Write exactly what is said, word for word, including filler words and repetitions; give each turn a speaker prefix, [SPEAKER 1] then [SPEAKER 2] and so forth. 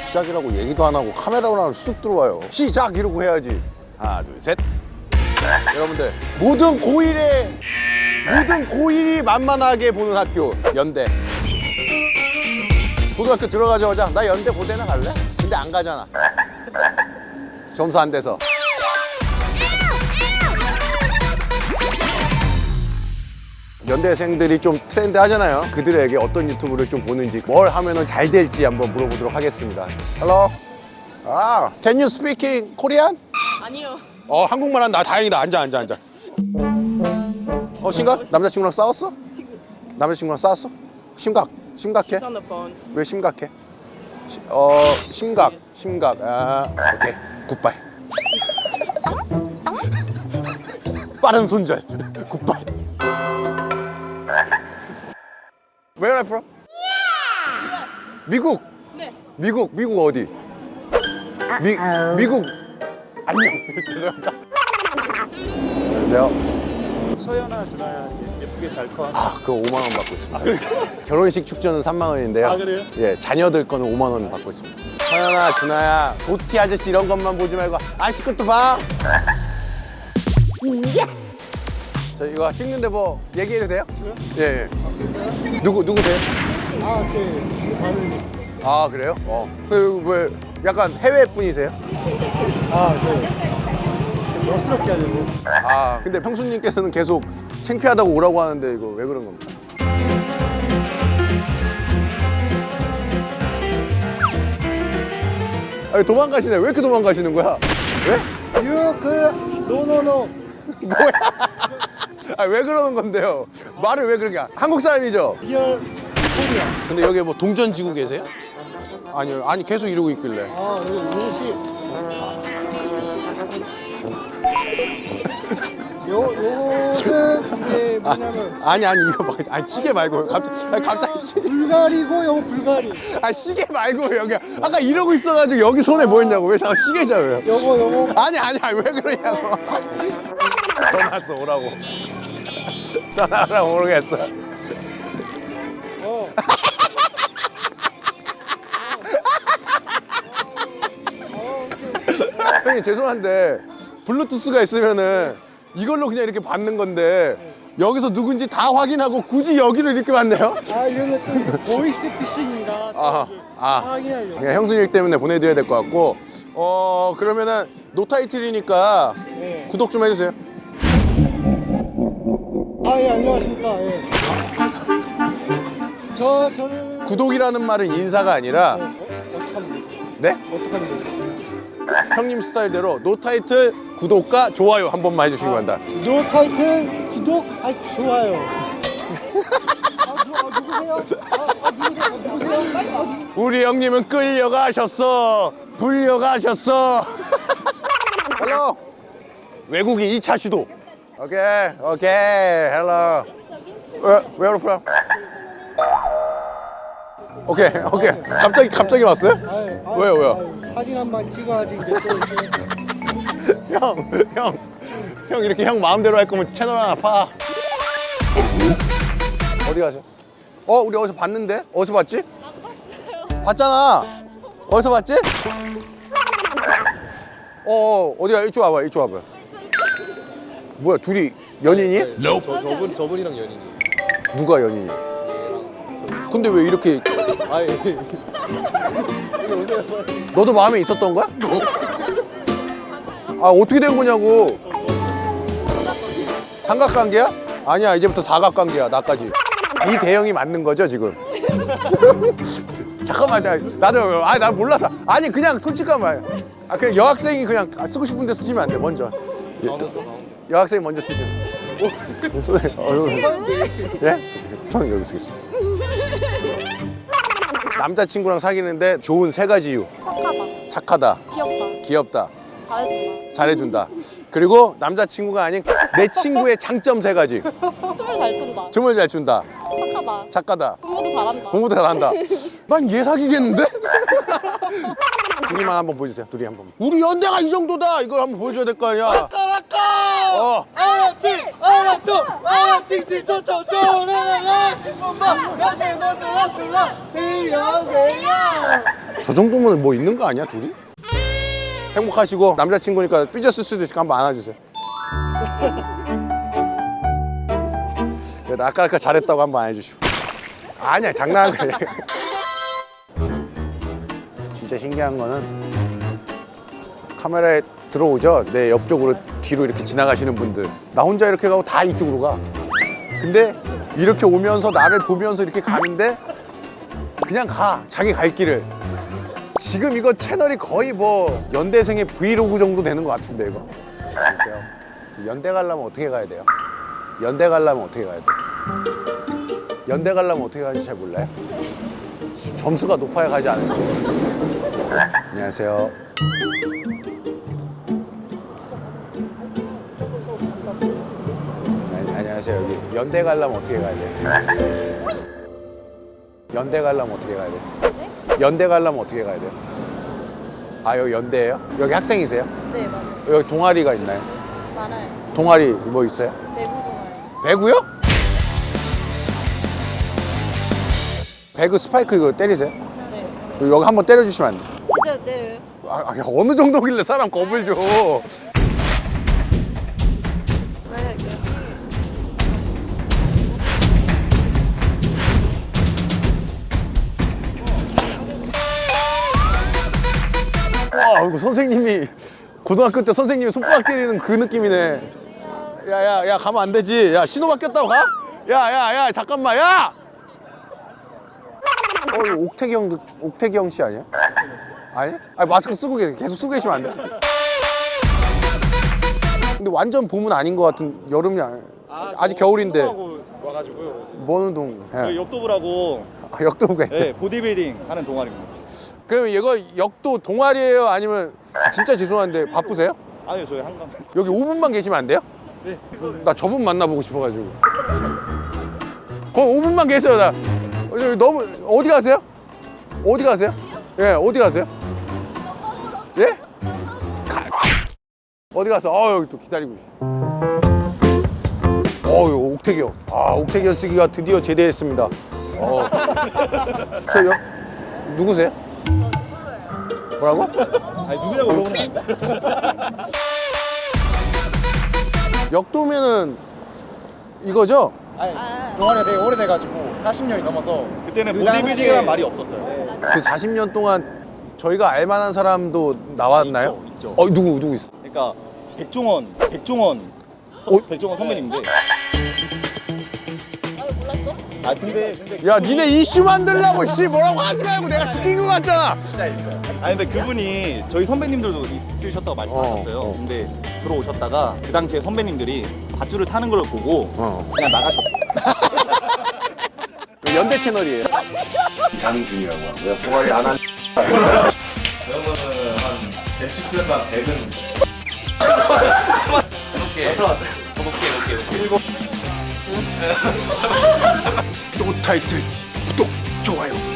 [SPEAKER 1] 시작이라고 얘기도 안 하고 카메라로 쑥 들어와요. 시작 이러고 해야지. 하나 둘 셋. 여러분들 모든 고일에 모든 고일이 만만하게 보는 학교 연대. 고등학교 들어가자마자 나 연대 고대나 갈래? 근데 안 가잖아. 점수 안 돼서. 연대생들이 좀 트렌드 하잖아요. 그들에게 어떤 유튜브를 좀 보는지, 뭘 하면 잘 될지 한번 물어보도록 하겠습니다. Hello. 아, can you speak Korean?
[SPEAKER 2] 아니요.
[SPEAKER 1] 어, 한국말 한다. 다행이다. 앉아, 앉아, 앉아. 어, 심각? 남자친구랑 싸웠어? 남자친구랑 싸웠어? 심각. 심각해?
[SPEAKER 2] She's on the phone.
[SPEAKER 1] 왜 심각해? 시, 어, 심각. 심각. 아, 오케이. 굿바이. 빠른 손절. 굿바이. Where are you from? 미국.
[SPEAKER 2] 네.
[SPEAKER 1] 미국. 미국 어디? 미 미국. 안녕. 죄송합니다. 안녕하세요.
[SPEAKER 3] 서연아, 준아야 예쁘게 잘 커.
[SPEAKER 1] 아, 그거 오만 원 받고 있습니다. 결혼식 축전은 삼만 원인데요.
[SPEAKER 3] 아, 그래요?
[SPEAKER 1] 예, 자녀들 거는 오만 원 받고 있습니다. 서연아, 준아야, 도티 아저씨 이런 것만 보지 말고 아저씨 것도 봐. 예스. 저 이거 찍는데 뭐 얘기해도 돼요? 예, 예. 누구 누구세요?
[SPEAKER 3] 아, 제 아는.
[SPEAKER 1] 아, 그래요? 어. 그, 왜 약간 해외 분이세요?
[SPEAKER 3] 아, 저 멋스럽게 하려고.
[SPEAKER 1] 아, 근데 평수님께서는 계속 창피하다고 오라고 하는데 이거 왜 그런 겁니까? 아니, 도망가시네. 왜 이렇게 도망가시는 거야? 왜?
[SPEAKER 3] 유그 노노노.
[SPEAKER 1] 뭐야? 아, 왜 그러는 건데요? 말을 왜 그러냐? 한국 사람이죠?
[SPEAKER 3] 리얼 코리아.
[SPEAKER 1] 근데 여기 뭐 동전 지고 계세요? 아니요. 아니, 계속 이러고 있길래.
[SPEAKER 3] 아, 여기 민씨. 요 요거는 이게 뭐냐면
[SPEAKER 1] 아니, 아니, 이거 막, 아니, 시계 말고. 갑자기, 아니, 갑자기 시계.
[SPEAKER 3] 불가리고 요거 불가리.
[SPEAKER 1] 아, 시계 말고, 여기. 아까 이러고 있어가지고 여기 손에 뭐 했냐고. 왜 자꾸 시계잖아요?
[SPEAKER 3] 요거 요거.
[SPEAKER 1] 아니, 아니, 아니, 왜 그러냐고. 전화 왔어, 오라고. 전화하라고 모르겠어.
[SPEAKER 3] 어.
[SPEAKER 1] 형님, 죄송한데, 블루투스가 있으면은 이걸로 그냥 이렇게 받는 건데, 여기서 누군지 다 확인하고 굳이 여기로 이렇게 받네요?
[SPEAKER 3] 아, 이거는 또 보이스 피싱인가? 또
[SPEAKER 1] 아,
[SPEAKER 3] 이게
[SPEAKER 1] 아.
[SPEAKER 3] 확인하려고.
[SPEAKER 1] 그냥 형수님 때문에 보내드려야 될 것 같고, 어, 그러면은 노타이틀이니까
[SPEAKER 3] 네.
[SPEAKER 1] 구독 좀 해주세요.
[SPEAKER 3] 아, 예, 안녕하십니까. 예. 저, 저는.
[SPEAKER 1] 구독이라는 말은 인사가 아니라,
[SPEAKER 3] 네, 어, 어떻게 하면 되죠?
[SPEAKER 1] 네?
[SPEAKER 3] 어떻게 하면 되죠?
[SPEAKER 1] 형님 스타일대로 노타이틀 구독과 좋아요 한 번만 해주시기 바랍니다.
[SPEAKER 3] 노 타이틀 구독, 아, 좋아요. 아, 누, 아, 누구세요? 아, 아, 누구세요? 아, 누구세요? 아, 누...
[SPEAKER 1] 우리 형님은 끌려가셨어. 불려가셨어. 헬로. 외국인 이 차 시도. 오케이, 오케이, 헬로. Where, where from? 오케이, 오케이. 갑자기, 갑자기 왔어요?
[SPEAKER 3] 아유, 아유,
[SPEAKER 1] 왜요, 왜요?
[SPEAKER 3] 아유, 사진 한 번 찍어야지 이제 또 이제.
[SPEAKER 1] 형, 형, 형 이렇게 형 마음대로 할 거면 채널 하나 파. 어디 가세요? 어, 우리 어디서 봤는데? 어디서 봤지?
[SPEAKER 2] 안 봤어요.
[SPEAKER 1] 봤잖아. 어디서 봤지? 어, 어 어디야? 이쪽 와봐, 이쪽 와봐. 뭐야, 둘이 연인이?
[SPEAKER 4] 저, 저분, 저분이랑 연인이.
[SPEAKER 1] 누가 연인이? 근데 왜 이렇게?
[SPEAKER 4] 아니,
[SPEAKER 1] 너도 마음에 있었던 거야? 아, 어떻게 된 거냐고. 삼각관계야? 아니야, 이제부터 사각관계야, 나까지. 이 대형이 맞는 거죠, 지금? 잠깐만, 자, 나도, 아니, 나 몰라서. 아니, 그냥 솔직한 말. 아, 그냥 여학생이 그냥 쓰고 싶은데 쓰시면 안 돼, 먼저. 예, 여학생이 먼저 쓰시면. 오, 손에, 어, 예? 저는 여기 쓰겠습니다. 남자친구랑 사귀는데 좋은 세 가지 이유.
[SPEAKER 2] 착하다.
[SPEAKER 1] 착하다,
[SPEAKER 2] 귀엽다.
[SPEAKER 1] 귀엽다,
[SPEAKER 2] 잘해준다.
[SPEAKER 1] 잘해준다. 그리고 남자친구가 아닌 내 친구의 장점 세 가지.
[SPEAKER 2] 춤을 잘 춘다.
[SPEAKER 1] 춤을 잘 춘다,
[SPEAKER 2] 착하다.
[SPEAKER 1] 착하다,
[SPEAKER 2] 공부도 잘한다.
[SPEAKER 1] 공부도 잘한다. 난 얘 사귀겠는데? 둘이만 한번 보여주세요. 둘이 한번. 우리 연대가 이 정도다. 이걸 한번 보여줘야 될 거 아니야. 어.
[SPEAKER 3] 아라치, 아라초, 아라치, 치초초, 쪼르르르, 신분방, 여생, 너스라, 둘라, 이여세야.
[SPEAKER 1] 저 정도면 뭐 있는 거 아니야 둘이? 행복하시고 남자친구니까 삐졌을 수도 있으니까 한번 안아주세요. 그래도 아까 아까 잘했다고 한번 안아주시고. 아니야 장난한 거야. 진짜 신기한 거는 카메라에 들어오죠. 내 옆쪽으로 뒤로 이렇게 지나가시는 분들. 나 혼자 이렇게 가고 다 이쪽으로 가. 근데 이렇게 오면서 나를 보면서 이렇게 가는데 그냥 가. 자기 갈 길을. 지금 이거 채널이 거의 뭐 연대생의 브이로그 정도 되는 것 같은데 이거. 보세요. 연대 가려면 어떻게 가야 돼요? 연대 가려면 어떻게 가야 돼요? 연대 가려면 어떻게 가는지 잘 몰라요? 점수가 높아야 가지 않아요? 안녕하세요. 아니, 안녕하세요. 여기 연대 가려면 어떻게 가야 돼요? 연대 가려면 어떻게 가야 돼요?
[SPEAKER 2] 네?
[SPEAKER 1] 연대 가려면 어떻게 가야 돼요? 아 여기 연대예요? 여기 학생이세요?
[SPEAKER 2] 네, 맞아요.
[SPEAKER 1] 여기 동아리가 있나요?
[SPEAKER 2] 많아요.
[SPEAKER 1] 동아리 뭐 있어요?
[SPEAKER 2] 배구 동아리.
[SPEAKER 1] 배구요? 배구 스파이크 이거 때리세요?
[SPEAKER 2] 네.
[SPEAKER 1] 여기 한번 때려주시면 안 돼요?
[SPEAKER 2] 진짜 때려요?
[SPEAKER 1] 아, 아, 어느 정도길래 사람 겁을 줘.
[SPEAKER 2] 네, 할게요.
[SPEAKER 1] 와, 이거 선생님이 고등학교 때 선생님이 손바닥 때리는 그 느낌이네. 야야 야 가면 안 되지. 야 신호 바뀌었다고 가? 야야야 야, 야, 잠깐만 야. 어 이거 옥태경 느- 옥태경 씨 아니야? 아니? 아니 마스크 쓰고 계 계속 쓰고 계시면 안 돼. 근데 완전 봄은 아닌 것 같은 여름이 아니. 아직 겨울인데.
[SPEAKER 5] 운동하고 와가지고요.
[SPEAKER 1] 뭔 운동?
[SPEAKER 5] 저희
[SPEAKER 1] 예.
[SPEAKER 5] 역도부라고
[SPEAKER 1] 아, 역도부가 있어요.
[SPEAKER 5] 네, 보디빌딩 하는 동아리입니다.
[SPEAKER 1] 그럼 이거 역도 동아리예요? 아니면 진짜 죄송한데 바쁘세요?
[SPEAKER 5] 아니요, 저희 한강.
[SPEAKER 1] 여기 오 분만 계시면 안 돼요?
[SPEAKER 5] 네.
[SPEAKER 1] 나 저분 만나보고 싶어가지고. 거기 오 분만 계세요. 나 어, 저기 너무 어디 가세요? 어디 가세요? 예, 어디 가세요? 예? 가... 어디 가서? 어 여기 또 기다리고. 어, 이거 옥태경. 아, 옥태경 씨가 드디어 제대했습니다. 어. 저 여... 누구세요? 뭐라고?
[SPEAKER 5] 아니, 누구냐고 물어보는
[SPEAKER 1] 역도면은 이거죠?
[SPEAKER 3] 아니, 동아리가 되게 오래돼가지고 사십 년이 넘어서
[SPEAKER 5] 그때는
[SPEAKER 3] 그
[SPEAKER 5] 보디빌딩이란
[SPEAKER 3] 당시에-
[SPEAKER 5] 말이 없었어요.
[SPEAKER 1] 그 사십 년 동안 저희가 알만한 사람도 나왔나요?
[SPEAKER 5] 있죠, 있죠.
[SPEAKER 1] 어, 누구 누구 있어?
[SPEAKER 5] 그러니까 백종원, 백종원, 선-
[SPEAKER 1] 어?
[SPEAKER 5] 백종원 선배님인데.
[SPEAKER 2] 아, 왜 몰랐어?
[SPEAKER 5] 아 근데 근데
[SPEAKER 1] 야, 니네 이슈 만들라고 씨 뭐라고 하지 말고 내가 시킨 거 같잖아.
[SPEAKER 5] 아니 근데 그분이 저희 선배님들도 있으셨다고 말씀하셨어요.
[SPEAKER 1] 어, 어.
[SPEAKER 5] 근데 들어오셨다가 그 당시에 선배님들이 밧줄을 타는 걸 보고
[SPEAKER 1] 어.
[SPEAKER 5] 그냥 나가셨.
[SPEAKER 1] 연대 채널이에요.
[SPEAKER 6] 이상준이라고 하고요. 동아리 안 한.
[SPEAKER 1] 또 타이틀 구독 좋아요.